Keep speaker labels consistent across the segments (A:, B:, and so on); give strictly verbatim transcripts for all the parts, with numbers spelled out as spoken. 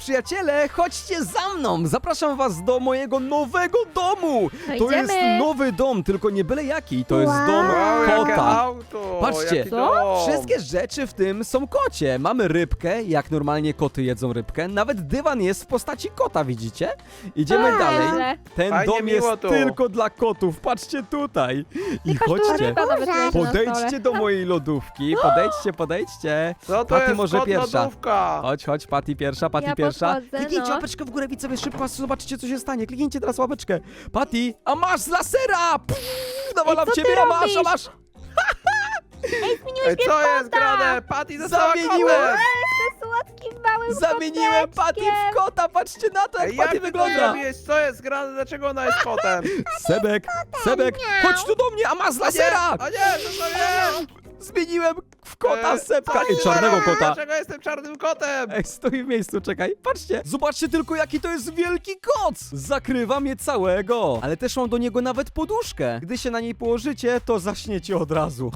A: przyjaciele, chodźcie za mną! Zapraszam was do mojego nowego domu!
B: No
A: To jest
B: idziemy.
A: nowy dom, tylko nie byle jaki, to jest
C: Wow.
A: dom
D: Wow, jakie
A: kota.
D: auto!
A: Patrzcie.
D: jaki
B: Co?
D: dom.
A: Wszystkie rzeczy w tym są kocie. Mamy rybkę, jak normalnie koty jedzą rybkę. Nawet dywan jest w postaci kota, widzicie? Idziemy
B: A,
A: dalej.
B: źle.
A: Ten
D: Fajnie,
A: dom jest
D: miło tu.
A: tylko dla kotów. Patrzcie tutaj. I
B: Patrz, tu
A: chodźcie.
B: ryba nawet leży na
A: Podejdźcie
B: stole.
A: do mojej lodówki. Podejdźcie, podejdźcie.
D: Co to
A: Patty
D: jest
A: może
D: kot
A: pierwsza.
D: lodówka?
A: Chodź, chodź, Patty pierwsza, Patty
B: Ja
A: pierwsza.
B: podchodzę,
A: Kliknijcie
B: no.
A: łapeczkę w górę, widzowie, szybko, zobaczycie, co się stanie. Kliknijcie teraz łapeczkę. Patty, a masz z lasera! Pff, nawalam
B: co ty
A: ciebie, a masz, a
B: robisz?
A: masz!
C: Ej, zmieniłeś
D: Ej,
C: mnie
D: co
C: w
D: jest
C: kota!
D: grane? Patty została
A: Zamieniłem!
D: kotem!
C: Jestem słodkim małym
A: Zamieniłem Patty w kota, patrzcie na to, jak
D: Ej, jak
A: Patty
D: ty to
A: wygląda.
D: zrobiłeś? Co jest grane? Dlaczego ona jest kotem?
A: Sebek, Sebek,
C: miau.
A: chodź tu do mnie, a masz z
D: A nie,
A: lasera!
D: a nie, to sobie!
A: Zmieniłem w kota
D: E,
A: Sebka
D: co
A: i
D: się
A: czarnego
D: dzieje?
A: kota.
D: Dlaczego jestem czarnym kotem?
A: Ej, stoi w miejscu, czekaj, patrzcie. Zobaczcie tylko, jaki to jest wielki koc. Zakrywa mnie całego. Ale też mam do niego nawet poduszkę. Gdy się na niej położycie, to zaśniecie od razu.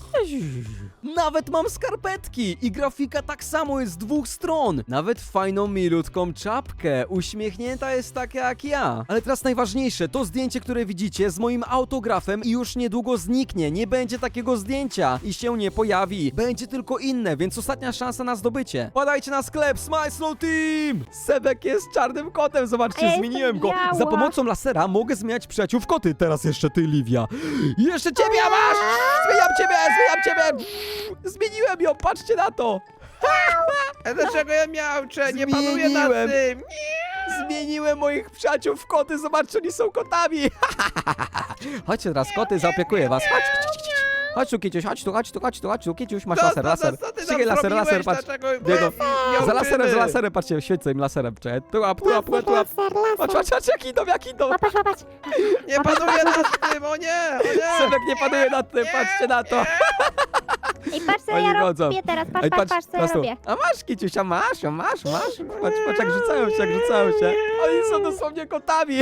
A: Nawet mam skarpetki i grafika tak samo jest z dwóch stron. Nawet fajną, milutką czapkę. Uśmiechnięta jest taka jak ja. Ale teraz najważniejsze, to zdjęcie, które widzicie z moim autografem i już niedługo zniknie. Nie będzie takiego zdjęcia i się nie pojawi. Będzie tylko inne, więc ostatnia szansa na zdobycie. Padajcie na sklep Smile Slow Team! Sebek jest czarnym kotem, zobaczcie,
C: A ja
A: zmieniłem
C: jestem
A: go.
C: biała.
A: Za pomocą lasera mogę zmieniać przyjaciół w koty. Teraz jeszcze ty, Livia. I jeszcze ciebie, a masz! Zmieniam ciebie, zmieniam ciebie! Zmieniłem ją, patrzcie na to!
D: A dlaczego ja miałczę? Nie panuję nad
A: Zmieniłem.
D: tym!
A: Zmieniłem moich przyjaciół w koty, zobaczcie, oni są kotami! Chodźcie teraz, koty, zaopiekuję was. Chodź, chodź, chodź, chodź. Chodź tu, Kiciuś, chodź tu, chodź tu, chodź tu, chodź tu, Kiciuś, masz
D: Co-
A: laser,
D: co-
A: laser.
D: co ty tam
A: Ścigaj laser,
D: zrobiłeś?
A: laser, patrz.
D: Dlaczego
A: Nie no.
D: nie
A: Za laserem, za
D: uczymy?
A: laserem, patrzcie, świecę im laserem, czekaj. Tu łap, tu łap, tu łap, tu łap.
C: Laser,
A: Patrz,
C: laser.
A: patrz, patrz, jak idą, jak idą.
C: Łapać, łapać.
D: Nie panuję nad tym, o nie! O nie!
A: Sebek nie panuje nad tym, patrzcie na to.
C: Ej, patrz co
A: Oni
C: ja
A: chodzą.
C: robię teraz, patrz,
A: Ej,
C: patrz, patrz co ja
A: patrz tu.
C: robię.
A: A masz, Kiciuś, a masz, a masz, masz. Patrz, patrz, jak rzucają się, jak rzucają się. Oni są dosłownie kotami.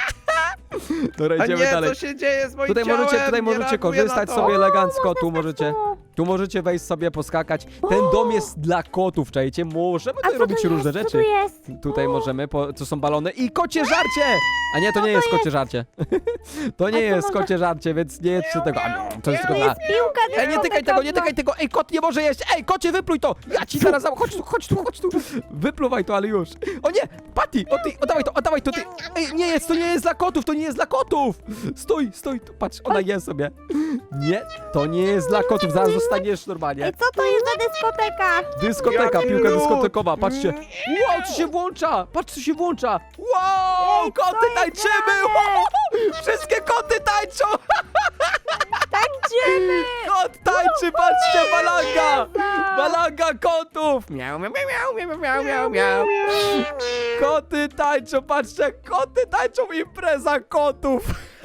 A: Dobra,
D: A
A: idziemy
D: nie,
A: dalej.
D: co się dzieje z moim
A: Tutaj
D: ciałem?
A: możecie, tutaj
D: Nie
A: możecie
D: reaguję
A: korzystać
D: na to.
A: sobie elegancko, tu
C: Można
A: możecie,
C: tu.
A: tu możecie wejść sobie, poskakać. Ten dom jest dla kotów, czajcie, możemy
C: A
A: tutaj
C: co
A: robić
C: tu
A: różne
C: jest? Co
A: rzeczy.
C: tu jest?
A: Tutaj możemy, po, to są balony i kocie żarcie! A nie, to nie jest kocie żarcie. To nie
C: A co
A: jest
C: może-
A: kocie żarcie, więc nie jedzcie tego. A, no, to jest
C: To
A: tylko dla...
C: jest piłka
A: Ej, nie tykaj tego, nie tykaj tego! Ej, kot nie może jeść! Ej, kocie, wypluj to! Ja ci zaraz dam, chodź tu, chodź tu, chodź tu! Wypluwaj to, ale już! O nie! Patty! O ty, oddawaj to, oddawaj to, ty! Ej, nie jest, to nie jest dla kotów, to nie jest dla kotów! Stój, stój, tu, patrz, ona je sobie. Nie, to nie jest dla kotów, zaraz zostaniesz normalnie.
C: Ej, co to jest za dyskoteka?
A: Dyskoteka,
D: Jaki
A: piłka
D: lód.
A: dyskotekowa, patrzcie. Wow, co się włącza! Patrz, co się włącza! Wow,
C: Ej, co
A: koty
C: jest
A: tańczymy!
C: grane?
A: Wow, wszystkie koty tańczą!
C: Tańczymy!
A: Kot tańczy, patrzcie, balanga! Balanga kotów! Miau, miau, miau, miau, miau, miau, miau. Koty tańczą, patrzcie, koty tańczą, impreza kotów!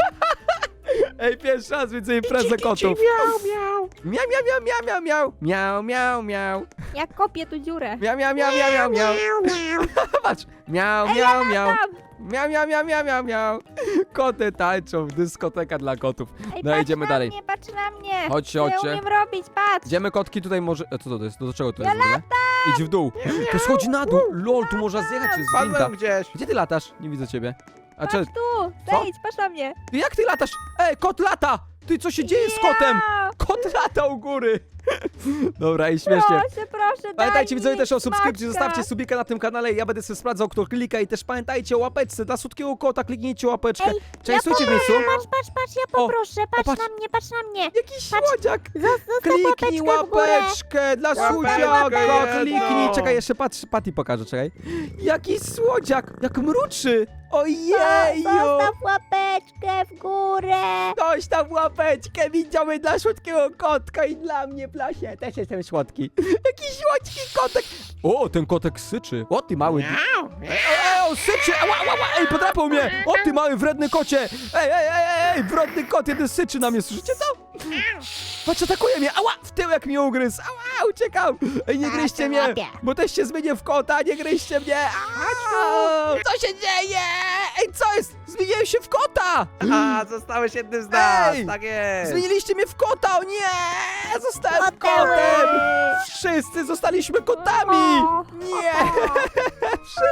A: Ej, pierwszy raz widzę imprezę kotów.
D: Miau, miau.
A: Miau, miau, miau, miau, miau, miau, miau, miau.
B: Ja kopię tu dziurę.
A: Miau, miau, miau, miau, miau, miau. Patrz, miau, miau, miau.
B: Tam.
A: Miau, miau, miau, miau, miau, miau. Koty tańczą, dyskoteka dla kotów.
B: Ej,
A: No
B: patrz
A: idziemy
B: na
A: dalej.
B: mnie, patrz na mnie.
A: Chodźcie,
B: Co
A: chodźcie.
B: ja umiem robić, patrz.
A: Idziemy kotki tutaj może... E, co to jest? Do czego to jest w ogóle? Idź w dół. To schodzi na dół. Lol, tu można zjechać, jest winda.
D: Spadłem gdzieś.
A: Gdzie ty latasz? Nie widzę ciebie. A
B: Patrz
A: czy...
B: tu,
A: Co?
B: zejdź, patrz na mnie.
A: Jak ty latasz? Ej, kot lata! Ty, co się dzieje z kotem?
B: Ja.
A: Kot lata u góry. Dobra, i śmiesznie.
B: Proszę, proszę,
A: Pamiętajcie
B: daj
A: widzowie
B: mi
A: też o subskrypcji,
B: smaczka.
A: zostawcie subika na tym kanale, ja będę sobie sprawdzał, kto klika i też pamiętajcie o łapeczce dla słodkiego kota, kliknijcie łapeczkę.
C: Ej,
A: Częstujcie w miejscu.
C: Patrz, patrz, patrz, ja
A: O,
C: poproszę, patrz
A: patrz.
C: na mnie, patrz na mnie.
A: Jakiś słodziak.
C: Zos- Zostaw
A: Kliknij
C: łapeczkę w górę.
A: łapeczkę dla
D: Łapeczkę
A: słodziaka,
D: jedną.
A: kliknij. Czekaj, jeszcze patrz, Patty pokażę, czekaj. Jaki słodziak, jak mruczy. Ojeju.
C: Zostaw łapeczkę w górę.
A: Ktoś tam łapeczkę widziały dla słodkiego kotka i dla mnie, Plasie. Też jestem słodki. Jaki słodki kotek. O, ten kotek syczy. O, ty mały...
D: Miau.
A: Ej, ej, on syczy! Ała, ała, ała. Ej, podrapał mnie! O, ty mały wredny kocie! Ej, ej, ej, ej, ej, wredny kot, jeden syczy na mnie, słyszycie to? Patrz, atakuje mnie! Ała, w tyłek mnie ugryzł! Ała, uciekam! Ej, nie
C: A,
A: gryźcie
C: to
A: mnie!
C: łapie.
A: Bo też się zmienię w kota, nie gryźcie mnie! Ała, co się dzieje? Ej, co jest? Zmieniłem się w kota!
D: A, zostałeś jednym z nas,
A: Ej!
D: tak jest.
A: Zmieniliście mnie w kota, o nie! Zostałem
C: Koteły.
A: kotem! Wszyscy zostaliśmy kotami!
C: O.
A: Nie!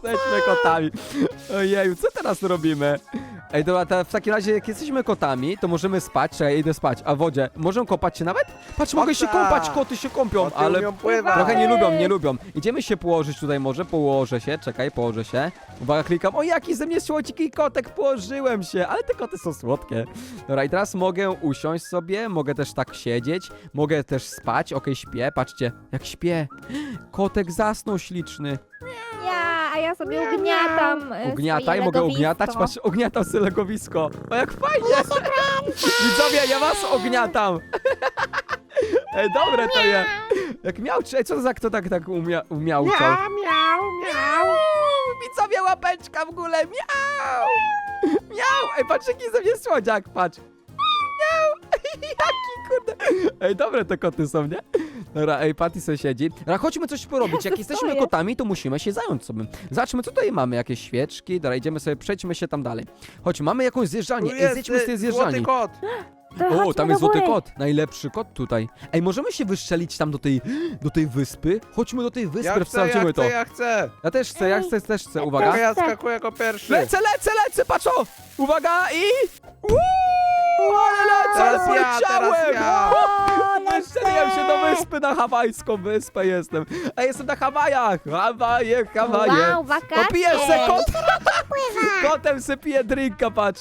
A: Jesteśmy kotami. Ojeju, co teraz robimy? Ej, dobra, to w takim razie, jak jesteśmy kotami, to możemy spać. Czekaj, idę spać. A w wodzie, możemy kąpać się nawet? Patrz, mogę się
D: Owca!
A: kąpać, koty się kąpią,
D: Koty
A: ale
D: umią pływać.
A: trochę nie lubią, nie lubią. Idziemy się położyć tutaj może, położę się, czekaj, położę się. Uwaga, klikam, o jaki ze mnie słodki kotek, położyłem się, ale te koty są słodkie. Dobra, i teraz mogę usiąść sobie, mogę też tak siedzieć, mogę też spać, okej, śpię, patrzcie, jak śpię. Kotek zasnął śliczny.
B: Ja, a ja sobie ugniatam e,
A: Ugniataj,
B: swoje
A: mogę
B: legowisko.
A: ugniatać, patrz, ugniatam sobie legowisko. O, jak fajnie! Widzowie, ja was ogniatam! Ej, dobre to jest! Jak miałczy, ej, co to za kto tak, tak umia, umiałczał?
D: Miau, miau, miau.
A: Widzowie, łapeczka w ogóle, miau! Miau! Ej, patrz, jaki ze mnie słodziak, patrz! Miau! Jaki kurde! Ej, dobre te koty są, nie? Dobra, ej, Patty sobie siedzi. Dobra, chodźmy coś porobić. Jak
B: Co
A: jesteśmy
B: jest?
A: kotami, to musimy się zająć sobie. Zobaczmy, co tutaj mamy. Jakieś świeczki. Dobra, idziemy sobie, przejdźmy się tam dalej. Chodź, mamy jakąś zjeżdżalnię.
D: Tu
A: Ej,
D: jest
A: zjedźmy z tej
D: y,
A: zjeżdżalni.
D: złoty kot.
B: To
A: O,
B: chodźmy
A: tam
B: do
A: jest złoty
B: góry.
A: kot. Najlepszy kot tutaj. Ej, możemy się wystrzelić tam do tej, do tej wyspy? Chodźmy do tej wyspy,
D: Ja chcę,
A: sprawdzimy
D: ja
A: to.
D: chcę, ja chcę.
A: Ja też chcę, ja chcę, też chcę. Uwaga.
D: Uwaga, ja skakuję jako pierwszy.
A: Lecę, lecę, lecę, patrz o! Uwaga i... Uuu, ale lecę, ale
D: Teraz ja, teraz
A: poleciałem!
D: ja.
C: O,
A: Wystrzeliłem się do wyspy, na hawajską wyspę jestem. A jestem na Hawajach! Hawaje, Hawaje!
C: Wow, wakacje.
A: O, piję se kot! Kotem se piję drinka, patrz!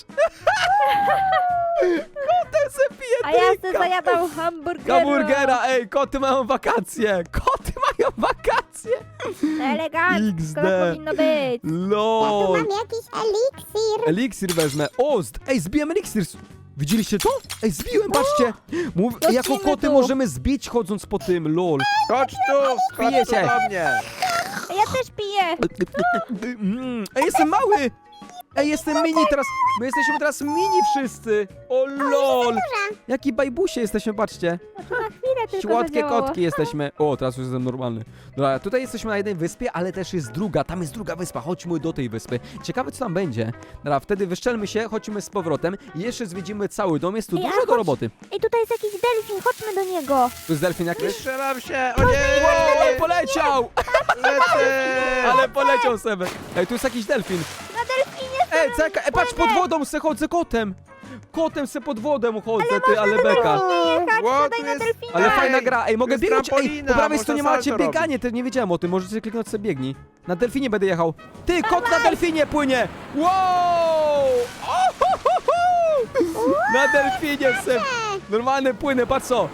A: Kotem se piję
B: A ja sobie
A: drinka!
B: zajadam hamburgera.
A: Hamburgera, ej, koty mają wakacje! Koty mają wakacje!
B: Elegancko
A: X D.
B: tak powinno być.
A: LOL!
C: Mam jakiś eliksir.
A: Eliksir wezmę. O, z... ej, zbiłem eliksir. Widzieliście to? Ej, zbiłem, patrzcie. Mów...
B: Lecimy
A: Jako koty
B: tu.
A: możemy zbić chodząc po tym, lol.
D: Chodź tu, chodź tu
A: Pijecie.
D: do mnie.
B: Ja też piję.
A: Mm, Ej, jestem mały. Ej, jestem mini teraz. My jesteśmy teraz mini wszyscy. O, lol. Jaki bajbusie jesteśmy, patrzcie.
B: No to na chwilę tylko
A: Słodkie
B: zadziałało.
A: kotki jesteśmy. O, teraz już jestem normalny. Dobra, tutaj jesteśmy na jednej wyspie, ale też jest druga. Tam jest druga wyspa. Chodźmy do tej wyspy. Ciekawe, co tam będzie. Dobra, wtedy wyszczelmy się, chodźmy z powrotem i jeszcze zwiedzimy cały dom. Jest tu
C: Ej, a
A: dużo do
C: chodź-
A: roboty.
C: Ej, tutaj jest jakiś delfin, chodźmy do niego.
A: Tu jest delfin jakiś?
D: Wystrzelam się, o
A: Wow, ale
D: nie,
A: poleciał!
D: lecę.
A: Ale poleciał sobie. Ej, tu jest jakiś delfin.
B: Na delfinie
A: Ej, czekaj, ej, patrz, pod wodą se chodzę kotem. Kotem se pod wodą chodzę, ty, ale beka.
B: jechać,
D: Ło,
B: siadaj
D: tu
B: na
D: jest-
B: delfina.
A: Ale
D: Ej,
A: fajna gra. Ej, mogę
D: jest
A: biegnąć. Ej,
D: trampolina,
A: po prawej
D: można
A: stronie macie
D: salto
A: bieganie, też nie wiedziałem o tym. Możecie kliknąć sobie biegnij. Na delfinie będę jechał. Ty, kot na delfinie płynie. Wow! O, ho, ho, ho! Na delfinie se. Normalny płynę, patrz co.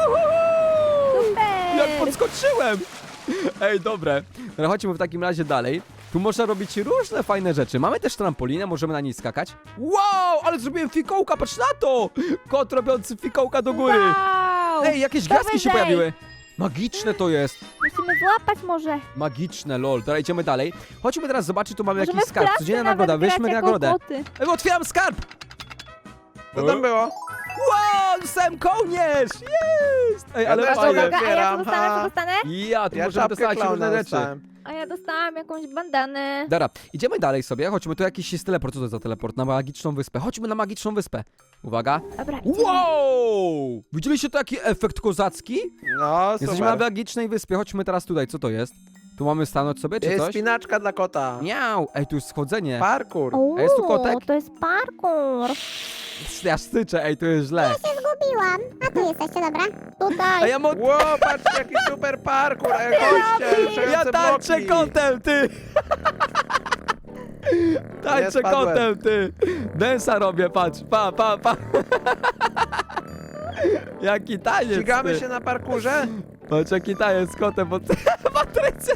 A: Jak
B: Super.
A: podskoczyłem! Ej, dobre. Dobra, chodźmy w takim razie dalej. Tu można robić różne fajne rzeczy. Mamy też trampolinę, możemy na niej skakać. Wow, ale zrobiłem fikołka, patrz na to! Kot robiący fikołka do góry.
B: Wow.
A: Ej, jakieś
B: To
A: gwiazdki się
B: wyżej.
A: pojawiły. Magiczne to jest.
B: Musimy złapać może.
A: Magiczne, lol. Dobra, idziemy dalej. Chodźmy teraz zobaczyć, tu mamy
B: Możemy
A: jakiś
B: w
A: skarb.
B: klatce
A: Codzienna
B: nawet
A: nagroda,
B: grać
A: weźmy
B: jako
A: nagrodę.
B: koty.
A: Ej, otwieram skarb!
D: Co tam było?
A: Wow, sam kołnierz! Jest! Ej,
D: Ja
A: ale
D: też
A: fajnie.
D: mogę.
B: Uwaga, a ja co
D: Otwieram,
B: dostanę, co
D: ha.
B: dostanę?
A: Ja, tu
D: Ja
A: możemy
D: czapkę
A: dostać różne
D: klauna
A: rzeczy.
D: dostałem.
B: A ja dostałam jakąś bandanę.
A: Dobra, idziemy dalej sobie, chodźmy, tu jakiś jest teleport, co to jest za teleport? Na magiczną wyspę, chodźmy na magiczną wyspę. Uwaga.
B: Dobra, idziemy.
A: Wow! Widzieliście taki efekt kozacki?
D: No,
A: Jesteśmy na
D: super.
A: magicznej wyspie, chodźmy teraz tutaj, co to jest? Tu mamy stanąć sobie, czy
D: Jest
A: coś?
D: spinaczka dla kota.
A: Miau! Ej, tu jest schodzenie.
D: Parkour.
A: A jest tu kotek?
C: to jest parkour.
A: Ja styczę, ej, tu jest źle.
C: Zgubiłam. A tu jesteście, dobra.
A: A
B: Tutaj.
A: ja mam...
D: Ło, patrzcie jaki super parkour. Ej, chodźcie,
A: Ja
D: ruszające
A: tańczę
D: bloki.
A: kotem, ty! Tańczę
D: spadłem.
A: kotem, ty! Densa robię, patrz, pa, pa, pa! Jaki taniec,
D: Ścigamy
A: ty.
D: się na parkurze?
A: Patrz, jaki taniec z kotem, bo... Patrycja,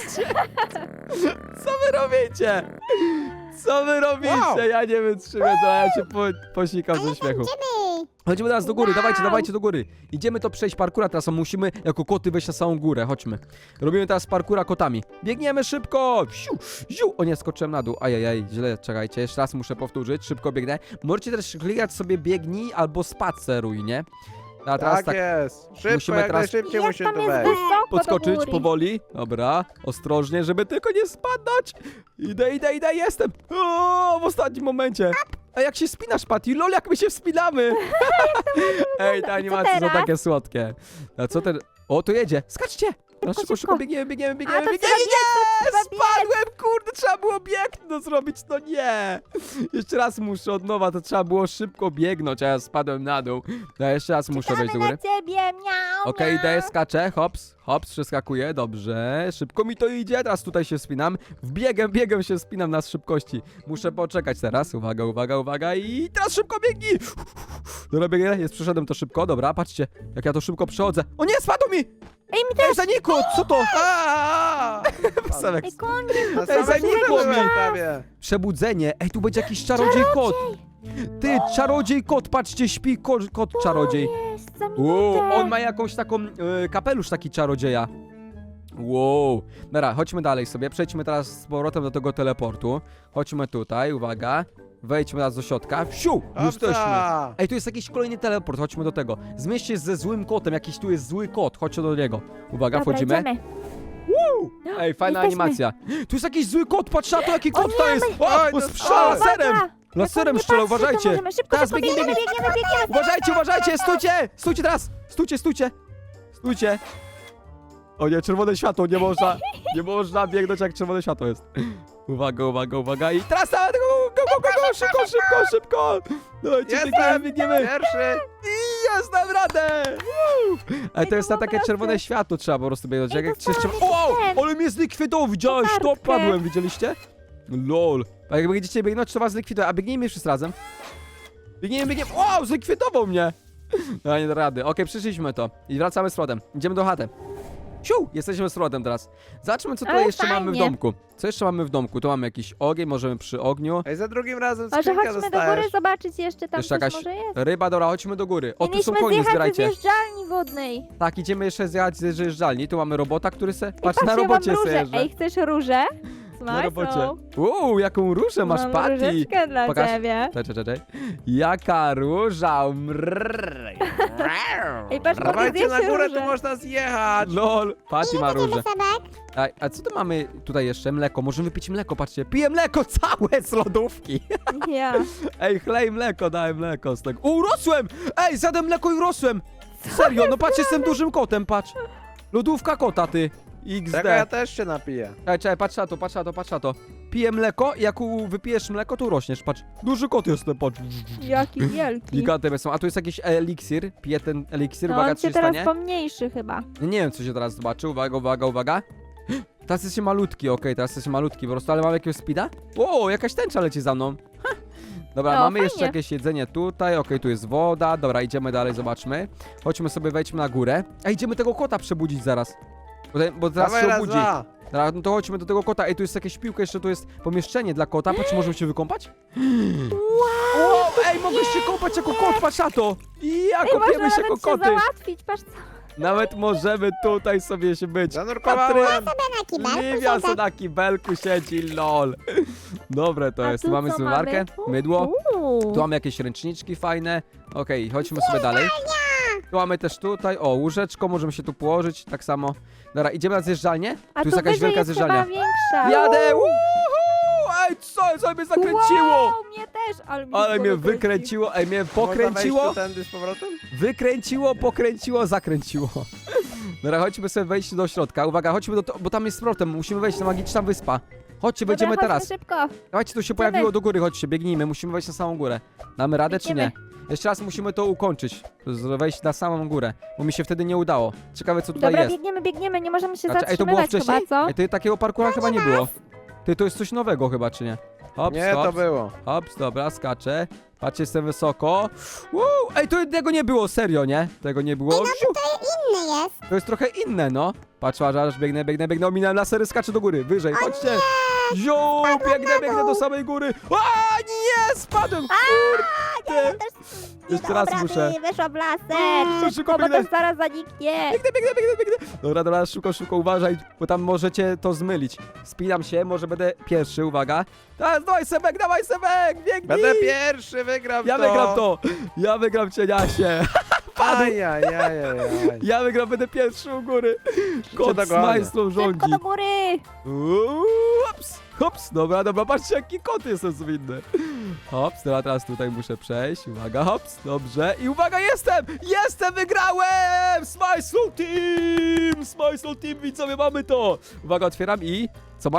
A: co wy robicie? Co wy robicie?
D: Wow.
A: Ja nie wytrzymię, to ja się po, posikam ze śmiechu.
C: Idziemy.
A: Chodźmy teraz do góry,
C: Wow.
A: dawajcie, dawajcie do góry. Idziemy to przejść parkura, teraz musimy jako koty wejść na samą górę, chodźmy. Robimy teraz parkura kotami. Biegniemy szybko! Ziu, ziu. O nie, skoczyłem na dół, ajajaj, źle, czekajcie, jeszcze raz muszę powtórzyć, szybko biegnę. Możecie też klikać sobie biegnij albo spaceruj, nie? A teraz
D: Tak,
A: tak,
D: jest. Szybko,
A: musimy
D: jak
A: teraz-
D: najszybciej
B: Jak
D: musimy
B: tam
D: tu
B: jest
D: wejść.
B: wysoko do
A: podskoczyć
B: góry.
A: powoli. Dobra, ostrożnie, żeby tylko nie spadać. Idę, idę, idę, jestem. O, w ostatnim momencie. A jak się spinasz, Patty? Lol, jak my się wspinamy. Ej, te animacje są
B: teraz?
A: takie słodkie. A co ten... O, tu jedzie. Skaczcie. Teraz szybko, szybko,
B: szybko.
A: biegniemy, biegniemy,
B: A
A: biegniemy,
B: to
A: biegniemy.
B: trzeba biec, to trzeba biec.
A: Spadłem, kurde, trzeba trzeba było biegno zrobić, no nie. Jeszcze raz muszę od nowa, to trzeba było szybko biegnąć, a ja spadłem na dół. Ja jeszcze raz muszę wejść do góry.
C: Na ciebie, miau,
A: Okej,
C: miau.
A: daję skaczę, hops, hops, przeskakuję, dobrze, szybko mi to idzie, teraz tutaj się spinam, w biegiem, biegiem się spinam na szybkości, muszę poczekać teraz, uwaga, uwaga, uwaga i teraz szybko biegnij, dobra, biegnę, jest, przeszedłem to szybko, dobra, patrzcie, jak ja to szybko przechodzę, o nie, spadł mi,
C: Ej, mi
A: ej, zanikło, co to,
D: Aaa!
A: Weselek.
C: Ej, koniec.
D: Na
A: Ej,
D: samym
A: zanikło
D: górze
A: mi.
D: byłem prawie.
A: przebudzenie, ej, tu będzie jakiś czarodziej kot, ty, czarodziej kot, patrzcie, śpi ko kot czarodziej.
C: Jest, za
A: Wow,
C: minutę.
A: on ma jakąś taką y, kapelusz taki czarodzieja. Wow. Dobra, chodźmy dalej sobie. Przejdźmy teraz z powrotem do tego teleportu. Chodźmy tutaj, uwaga. Wejdźmy teraz do środka. Wsiu! Jesteśmy.
D: Hopsa.
A: Ej, tu jest jakiś kolejny teleport, chodźmy do tego. Zmieść się ze złym kotem, jakiś tu jest zły kot, chodźcie do niego. Uwaga,
C: Dobra,
A: wchodzimy.
C: idziemy.
A: Ej, fajna
C: Jesteśmy.
A: animacja. Tu jest jakiś zły kot, patrz na to, jaki
C: O
A: kot
C: nie,
A: to jest!
D: my-
A: O,
D: Oj,
A: on
D: to-
A: strzela
D: o,
A: laserem!
C: Uwaga.
A: Laserem
C: Jak on nie
A: strzela,
C: patrzy, to
A: uważajcie!
C: możemy Szybko,
A: Teraz
C: szybko,
A: biegniemy,
C: biegniemy, biegniemy, biegniemy.
A: Uważajcie, uważajcie, stójcie! Stójcie teraz! Stójcie, stójcie! Stójcie! O nie, czerwone światło, nie można, nie można biegnąć jak czerwone światło jest. Uwaga, uwaga, uwaga i teraz nawet go, go, go, go, go, szybko, szybko, szybko! Dajcie, biegniemy,
D: Jestem
A: biegniemy!
D: pierwszy.
A: I jest, dam radę! Woo! Ale to jest na takie czerwone światło, trzeba po prostu biegnąć.
C: Ej,
A: Jak
C: dostałam
A: trzeba...
C: jakiś
A: O,
C: ten.
A: ale mnie zlikwidował, widziałeś to?
C: Kartkę.
A: Padłem, widzieliście? Lol. A jak będziecie biegnąć, to was zlikwiduje. A biegnijmy wszyscy razem. Biegniemy, biegniemy. Wow, zlikwidował mnie! No nie da rady. Okej, przyszliśmy to. I wracamy z powrotem. Idziemy do chaty. Siu! Jesteśmy z powrotem teraz. Zobaczmy, co tutaj
C: Ale
A: jeszcze mamy w
C: fajnie.
A: domku. Co jeszcze mamy w domku? Tu mamy jakiś ogień, możemy przy ogniu.
D: Ej, za drugim razem
C: Może
D: skrzynkę
C: chodźmy do
D: dostajesz.
C: góry zobaczyć jeszcze tam
A: Jeszcze
C: coś
A: jakaś
C: może jest.
A: ryba, dobra, chodźmy do góry. O, tu są
C: Mieliśmy
A: konie,
C: zjechać ze
A: zbierajcie.
C: zjeżdżalni wodnej.
A: Tak, idziemy jeszcze zjechać ze zjeżdżalni. Tu mamy robota, który se...
C: Ej,
A: Patrz, na
C: ja mam
A: robocie se
C: różę.
A: jeżdżę.
C: Ej, chcesz różę?
A: Na robocie.
C: Smajsą.
A: Uuu, jaką różę masz,
C: Mam
A: Patty.
C: różeczkę dla
A: Pokaż.
C: ciebie.
A: Czekaj, czekaj, czekaj. Jaka róża, mrrr.
C: Ej, patrz, mogę
D: Dawajcie
C: zjeść
D: na górę,
C: różę.
D: tu można zjechać.
A: Lol, Patty ma różę.
C: Sebek?
A: A, a co tu mamy tutaj jeszcze? Mleko, możemy pić mleko, patrzcie. Piję mleko całe z lodówki.
C: Ja.
A: Ej, chlej mleko, daj mleko z tego. O, urosłem! Ej, zjadłem mleko i urosłem! Serio, no patrz, jestem dużym kotem, patrz. Lodówka kota, ty.
D: Tego ja
A: iks de.
D: też się napiję.
A: Czekaj, czekaj, patrz na to, patrz na to, patrz na to. Piję mleko i jak u- wypijesz mleko, to urośniesz, patrz. Duży kot jestem, patrz.
C: Jaki wielki.
A: Gigantem są. A tu jest jakiś eliksir. Piję ten eliksir,
C: No,
A: uwaga,
C: on
A: co
C: się
A: się
C: teraz
A: stanie.
C: pomniejszy chyba.
A: Nie, nie wiem, co się teraz zobaczy. Uwaga, uwaga, uwaga. Teraz jesteś malutki, okej, teraz jesteś malutki po prostu, ale mam jakiegoś speeda? O, jakaś tęcza leci za mną. Ha. Dobra,
C: No,
A: mamy
C: fajnie.
A: jeszcze jakieś jedzenie tutaj, okej, tu jest woda, dobra, idziemy dalej, zobaczmy. Chodźmy sobie, wejdźmy na górę. A idziemy tego kota przebudzić zaraz. Bo, te- bo teraz
D: Dawaj
A: się
D: raz,
A: obudzi.
D: dwa.
A: Dobra, no to chodźmy do tego kota. Ej, tu jest jakieś piłka, jeszcze tu jest pomieszczenie dla kota. Patrz, możemy się wykąpać? Wow, ej, mogę się kąpać jako kot, patrz na to! I ja
C: Ej, można
A: kopiemy się
C: nawet
A: jako
C: się
A: koty.
C: załatwić, patrz co.
A: Nawet możemy tutaj sobie się być.
D: Zanurkowałem.
C: Na kibelku
A: Liwia
C: siedzę.
A: se na kibelku siedzi, lol. Dobre to
C: A
A: jest.
C: tu
A: Tu mamy
C: co
A: zmywarkę,
C: mamy?
A: mydło.
C: Uuu.
A: Tu mamy jakieś ręczniczki fajne. Okej, chodźmy sobie dalej. Tu mamy też tutaj, o, łóżeczko, możemy się tu położyć, tak samo. Dobra, idziemy na zjeżdżalnię.
C: A
A: Tu jest jakaś
C: wyżej
A: wielka
C: jest
A: zjeżdżalnia.
C: chyba większa.
A: Jadę! Uhu! Ej, co? Co mnie zakręciło?
C: Wow, mnie też, ale, mnie
A: Ale mnie
C: głowa kręci.
A: wykręciło, ej, mnie
D: Można wejść
A: pokręciło,
D: tu tędy z powrotem?
A: wykręciło, pokręciło, zakręciło. Dobra, chodźmy sobie wejść do środka. Uwaga, chodźmy do to, bo tam jest z powrotem, musimy wejść na magiczna wyspa. Chodźcie,
C: Dobra,
A: wejdziemy
C: chodźmy
A: teraz.
C: szybko.
A: Dawajcie, to się
C: Idziemy.
A: pojawiło do góry, chodźcie, biegnijmy, musimy wejść na samą górę. Damy radę czy
C: Biegniemy.
A: nie? Jeszcze raz musimy to ukończyć, z- wejść na samą górę, bo mi się wtedy nie udało. Ciekawe co tutaj
C: Dobra,
A: jest.
C: biegniemy, biegniemy, nie możemy się
A: Znaczy, ej, to było
C: zatrzymywać
A: wcześniej?
C: chyba, co?
A: Ej, ty, takiego parkura chyba nie było. Ty, to jest coś nowego chyba, czy nie? Hops,
D: Nie, to
A: hops,
D: było.
A: hops, dobra, skaczę. Patrzcie, jestem wysoko. Woo! Ej, to tego nie było, serio, nie? Tego nie było. Wsiu!
C: Inny jest.
A: To jest trochę inne, no. Patrz, aż, aż biegnę, biegnę, biegnę, ominąłem lasery, skaczę do góry, wyżej, chodźcie. Ziu, biegnę, biegnę do samej góry. A, nie, spadłem, kurde. Jeszcze raz muszę.
C: Weszła w laser,
A: Uuu, szybko
C: szybko, bo
A: biegnę.
C: to zaraz zaniknie.
A: Biegnę, biegnę, biegnę, biegnę. Dobra, dobra, szybko, szybko, uważaj, bo tam możecie to zmylić. Spinam się, może będę pierwszy, uwaga. Teraz, dawaj Sebek, dawaj Sebek, biegnij.
D: Będę pierwszy, wygram
A: Ja
D: to.
A: wygram to. Ja wygram cieniasie.
D: Ajajajajaj.
A: Ja wygram, będę pierwszy u góry. Kot z
D: dogonię.
A: majstrą rządzi.
C: Szybko do góry.
A: Uuu, Hops, hops, dobra, dobra, patrzcie jaki kot jestem zwinny. Hops, dobra, teraz tutaj muszę przejść, uwaga, hops, dobrze i uwaga, jestem, jestem, wygrałem! Smile Team, Smile Team, widzowie, mamy to. Uwaga, otwieram i, co mam?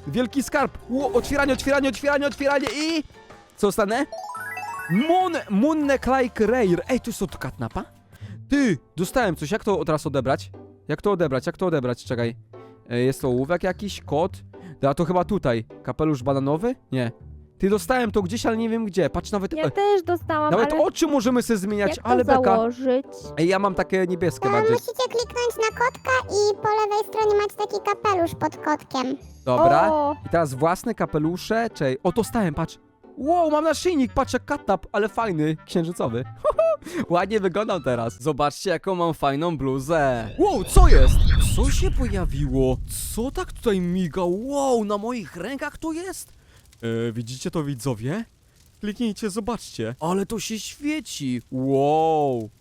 A: Wielki skarb. Ło, otwieranie, otwieranie, otwieranie, otwieranie i... Co dostanę? Mon, Munne Klike Rare. Ej, to jest od katnapa? Ty, dostałem coś. Jak to teraz odebrać? Jak to odebrać? Jak to odebrać? Czekaj. E, Jest to ołówek jakiś, kod. A to chyba tutaj. Kapelusz bananowy? Nie. Ty, dostałem to gdzieś, ale nie wiem gdzie. Patrz, nawet...
B: Ja
A: e,
B: też dostałam,
A: Nawet
B: ale
A: oczy możemy sobie zmieniać,
B: jak to
A: ale beka.
B: założyć?
A: Ej, ja mam takie niebieskie
C: To
A: bardziej.
C: musicie kliknąć na kotka i po lewej stronie macie taki kapelusz pod kotkiem.
A: Dobra.
B: O,
A: I teraz własne kapelusze, czej. O, dostałem, patrz. Wow, mam naszyjnik, patrz jak katnap, ale fajny, księżycowy. Ładnie wyglądam teraz. Zobaczcie, jaką mam fajną bluzę. Wow, co jest? Co się pojawiło? Co tak tutaj miga? Wow, na moich rękach to jest? E, widzicie to, widzowie? Kliknijcie, zobaczcie. Ale to się świeci. Wow.